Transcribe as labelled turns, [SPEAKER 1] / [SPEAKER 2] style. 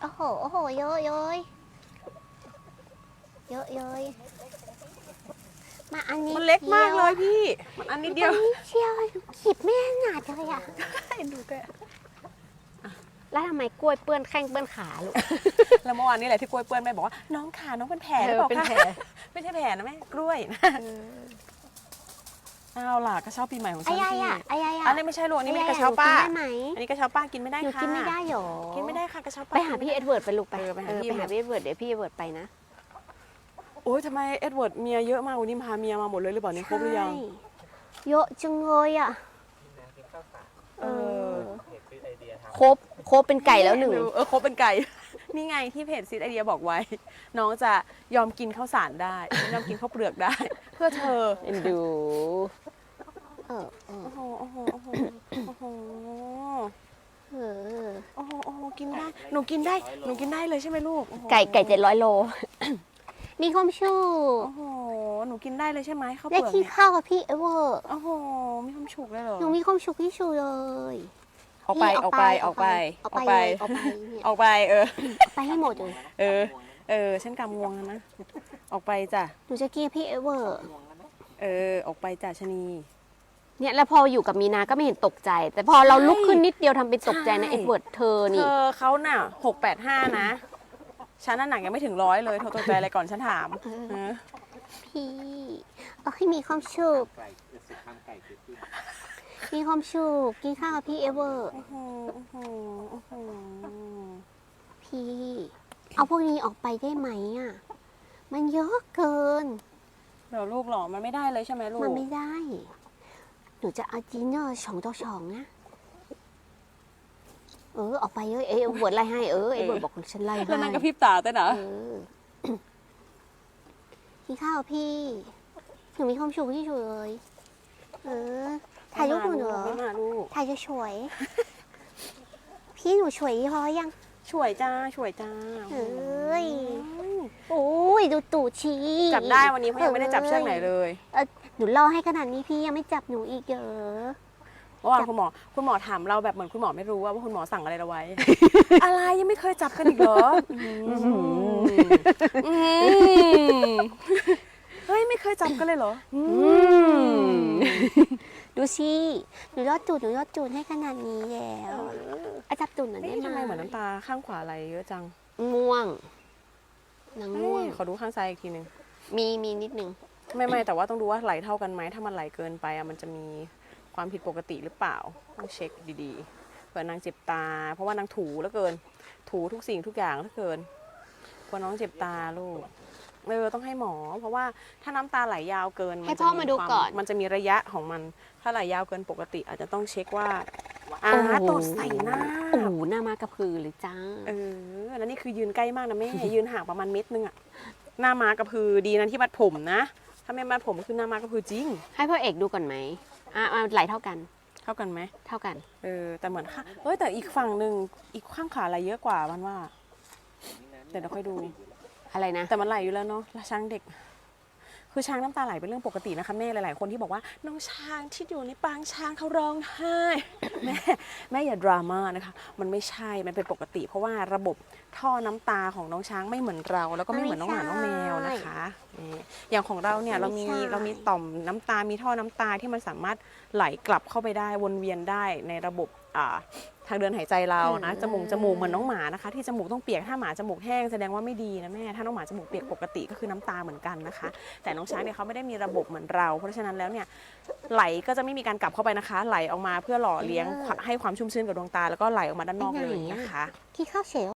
[SPEAKER 1] โอ้โหโอ้โหเยอะเยอะเยอะเยอะมาอันนี้
[SPEAKER 2] มันเล็กมากเลยพี่มันอันนิดเดียว
[SPEAKER 1] เชียวขีดไม่หนาดเลยอ่ะ
[SPEAKER 2] ดูแก
[SPEAKER 1] แล้วทำไมกล้วยเปื้อนแข้งเปื้อนขาลูก
[SPEAKER 2] แล้วเมื่อวานนี้แหละที่กล้วยเปื้อนแม่บอกว่าน้องขาน้องเป็นแผลหรือเปล่า
[SPEAKER 1] เป็น
[SPEAKER 2] คะ
[SPEAKER 1] แผล
[SPEAKER 2] ไม่ใช่แผลนะแม่กล้วยนะเอาล่ะกระเช้าปีใหม่ของฉัน
[SPEAKER 1] ไอ้
[SPEAKER 2] พี่
[SPEAKER 1] ยะไอ้ยะ
[SPEAKER 2] อันนี้ไม่ใช่ลูกอันนี้ไม่กระเช้าป้า
[SPEAKER 1] ได้ไหม
[SPEAKER 2] อันนี้กระเช้าป้ากินไม่ได้
[SPEAKER 1] หนู
[SPEAKER 2] ค่ะ
[SPEAKER 1] กินไม่ได้หรอ
[SPEAKER 2] กินไม่ได้ค่ะกระเช้าป้า
[SPEAKER 1] ไปหาพี่เอ็ดเวิร์ดไปลูกไป
[SPEAKER 2] ไปหาพี่
[SPEAKER 1] ไปหาพี่เอ็ดเวิร์ดเดี๋ยวพี่เอ็ดเวิร์ดไปนะ
[SPEAKER 2] โอ้ยทำไมเอ็ดเวิร์ดเมียเยอะมากวันนี้พาเมียมาหมดเลยหรือเปล่านี่ครบหรือยัง
[SPEAKER 1] ใช่เยอะจังเลยอ่ะครบเป็นไก่แล้วหนึ่ง
[SPEAKER 2] ครบเป็นไก่ นี่ไงที่เพจซิดไอเดียบอกไว้ น้องจะยอมกินข้าวสารได้ยอมกินข้าวเปลือกได้ เพื่อเธอ
[SPEAKER 1] เอ็นดู
[SPEAKER 2] โอ้โหโอ้โหโอ้โหโอ้โห
[SPEAKER 1] เออ
[SPEAKER 2] โอ้โหโอ้โหกินได้หนูกินได้เลยใช่ไหมลูกโอ้โห
[SPEAKER 1] ไก่700 โล มีความชู
[SPEAKER 2] โอ้โหหนูกินได้เลยใช่ไหมข้าวเป
[SPEAKER 1] ได้
[SPEAKER 2] ลือก
[SPEAKER 1] ที่
[SPEAKER 2] เนี่ย
[SPEAKER 1] ข้าวกับพี่เอ็ดเวิร์ด
[SPEAKER 2] โอ้โหมีความฉุกเลยเหรอ
[SPEAKER 1] หนูมีความสุขที่สุดเลย
[SPEAKER 2] ออกไป
[SPEAKER 1] นี่
[SPEAKER 2] ออกไปออกไป
[SPEAKER 1] ออก
[SPEAKER 2] ออก
[SPEAKER 1] ไป
[SPEAKER 2] ไป
[SPEAKER 1] ออกไปเนี่ย
[SPEAKER 2] ออกไป
[SPEAKER 1] ออกไปให้หมดเลย
[SPEAKER 2] ฉันกำงวงแล้วนะออกไปจ้ะ
[SPEAKER 1] หนูจะกินพี่เอ็ดเวิร์ด
[SPEAKER 2] ออกไปจ้ะชะนี
[SPEAKER 1] เนี่ยแล้วพออยู่กับมีนาก็ไม่เห็นตกใจ แต่พอเราลุกขึ้นนิดเดียวทำเป็นตกใจนะ
[SPEAKER 2] ใช่
[SPEAKER 1] เอ็ดเวิร์ดเธอ
[SPEAKER 2] เธ
[SPEAKER 1] นี่
[SPEAKER 2] อเขาน่ะ685นะฉันน่ะหนักยังไม่ถึง100เลยเธอตกใจอะไรก่อนฉันถามเออ
[SPEAKER 1] พี่เอาให้มีความสุขมีความสุขกินข้าวกับพี่เอ็ดเวิร์ด
[SPEAKER 2] โอ้โหโอ้โหโอ้โห
[SPEAKER 1] พี่เอาพวกนี้ออกไปได้ไหมอ่ะมันเยอะเกิน
[SPEAKER 2] เดี๋ยวลูกหรอมันไม่ได้เลยใช่ไหมลูก
[SPEAKER 1] มันไม่ได้ หนูจะเอาดินเนอร์2 ต่อ 2นะออกไปเอ็ดเวิร์ดไล่ให้เอ็ดเวิร์ดบอกฉันไล่ให้
[SPEAKER 2] แล้วนั่งกระพริบตาเต้นเหรอ
[SPEAKER 1] กินข้าวพี่หนูมีความสุขที่สุดเลยถ่ายรูปหนูเหรอ
[SPEAKER 2] ไม่มาลูก
[SPEAKER 1] ถ่ายจะสวย พี่หนูสวยพอยัง
[SPEAKER 2] ช่วยจ้าช่วยจ้า
[SPEAKER 1] เอ้ย โอ้ยดูตูดชี
[SPEAKER 2] จับได้วันนี้เขายังไม่ได้จับเชือกไหนเลย
[SPEAKER 1] หนูล่อให้ขนาดนี้พี่ยังไม่จับหนูอีกเหรอ
[SPEAKER 2] เมื่อวานคุณหมอถามเราแบบเหมือนคุณหมอไม่รู้ว่าคุณหมอสั่งอะไรเราไว้ อะไรยังไม่เคยจับกันอีกเหรอเฮ้ยไม่เคยจับกันเลยเหรอ
[SPEAKER 1] ดูสิหนูยอดจูดให้ขนาดนี้แล้วจับตูดหน่อยได้
[SPEAKER 2] ทำไม
[SPEAKER 1] ไหม
[SPEAKER 2] เหมือนน้ำตาข้างขวาไหลเยอะจัง
[SPEAKER 1] ง่วงนางง่วง
[SPEAKER 2] ขอดูข้างซ้ายอีกทีนึง
[SPEAKER 1] มีนิดนึง
[SPEAKER 2] ไม่แต่ว่าต้องดูว่าไหลเท่ากันไหมถ้ามันไหลเกินไปมันจะมีความผิดปกติหรือเปล่าต้องเช็คดีๆเผื่อนางเจ็บตา เพราะว่านางถูแล้วเกินถูทุกสิ่งทุกอย่างแล้วเกินกลัวน้องเจ็บตาลูกต้องให้หมอ เพราะว่าถ้าน้ำตาไหลยาวเกิน
[SPEAKER 1] ให้พ่อมาดูก่อน
[SPEAKER 2] มันจะมีระยะของมันถ้าไหลยาวเกินปกติ อาจจะต้องเช็คว่าตดใส่หน้า
[SPEAKER 1] โอ้โหหน้ามากระพือเลยจ้า
[SPEAKER 2] แล้วนี่คือยืนใกล้มากนะแม่ ยืนห่างประมาณเม็ดนึงอะหน้าม้ากระพือดีนะที่มัดผมนะถ้าไม่มัดผมก็คือหน้าม้ากระพือจริง
[SPEAKER 1] ให้พ่อเอกดูก่อนไหมไหลเท่ากัน
[SPEAKER 2] เท่ากันไหม
[SPEAKER 1] เท่ากัน
[SPEAKER 2] แต่เหมือนค่ะแต่อีกฝั่งหนึ่งอีกข้างขาไหลเยอะกว่ามันว่าเดี๋ยวเราค่อยดู
[SPEAKER 1] อะไรนะ
[SPEAKER 2] แต่มันไหลอยู่แล้วเนาะช้างเด็ก คือช้างน้ำตาไหลเป็นเรื่องปกตินะคะแม่หลายๆคนที่บอกว่าน้องช้างที่อยู่ในปางช้างเขาร้องไห้ แม่อย่าดราม่านะคะมันไม่ใช่มันเป็นปกติ เพราะว่าระบบท่อน้ำตาของน้องช้างไม่เหมือนเราแล้วก็ไม่เหมือนน้องหมาน้องแมวนะคะอย่างของเราเนี่ยเรามีต่อมน้ำตามีท่อน้ำตาที่มันสามารถไหลกลับเข้าไปได้วนเวียนได้ในระบบทางเดินหายใจเรานะจมูกเหมือนน้องหมานะคะที่จมูกต้องเปียกถ้าหมาจมูกแห้งแสดงว่าไม่ดีนะแม่ถ้าน้องหมาจมูกเปียกปกติก็คือน้ำตาเหมือนกันนะคะแต่น้องช้างเนี่ยเขาไม่ได้มีระบบเหมือนเราเพราะฉะนั้นแล้วเนี่ยไหลก็จะไม่มีการกลับเข้าไปนะคะไหลออกมาเพื่อหล่อเลี้ยงให้ความชุ่มชื้นกับดวงตาแล้วก็ไหลออกมาด้านนอกเลยนะคะ
[SPEAKER 1] ที่ข้าวเสร็จ